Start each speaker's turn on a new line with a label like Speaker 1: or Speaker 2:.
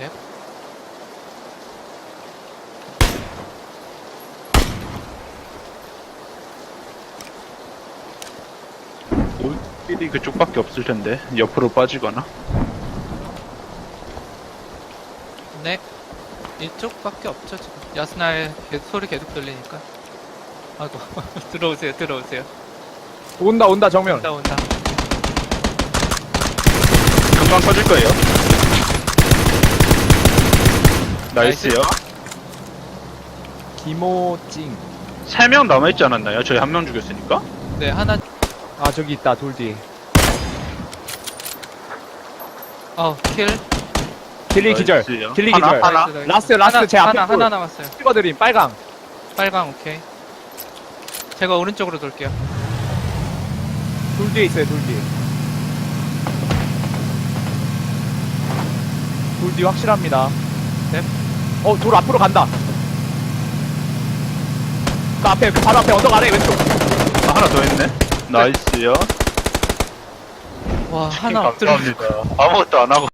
Speaker 1: 네.
Speaker 2: 길이 그쪽밖에 없을 텐데 옆으로 빠지거나.
Speaker 1: 네. 이쪽밖에 없죠 지금. 야스날 소리 계속 들리니까. 아이고 들어오세요 들어오세요.
Speaker 3: 온다 정면.
Speaker 1: 온다 온다.
Speaker 2: 금방 터질 거예요. 나이스요.
Speaker 3: 김호찡.
Speaker 2: 3명 남아있지 않았나요? 저희 1명 죽였으니까?
Speaker 1: 네 하나.
Speaker 3: 아 저기 있다 돌 뒤에.
Speaker 1: 킬.
Speaker 3: 길리 기절.
Speaker 2: 나이스요.
Speaker 3: 길리
Speaker 2: 하나?
Speaker 3: 기절.
Speaker 2: 하나?
Speaker 1: 나이스,
Speaker 3: 라스트 제 앞에
Speaker 1: 하나 남았어요.
Speaker 3: 찍어드림 빨강.
Speaker 1: 빨강 오케이. 제가 오른쪽으로 돌게요.
Speaker 3: 돌 뒤에 있어요 돌 뒤에. 돌 뒤 확실합니다.
Speaker 1: 네.
Speaker 3: 돌 앞으로 간다. 그 앞에 그 바로 앞에 언덕 아래 왼쪽.
Speaker 2: 아, 하나 더 있네. 나이스요.
Speaker 1: 와 하나 엎드려.
Speaker 2: 감사합니다. 아무것도 안 하고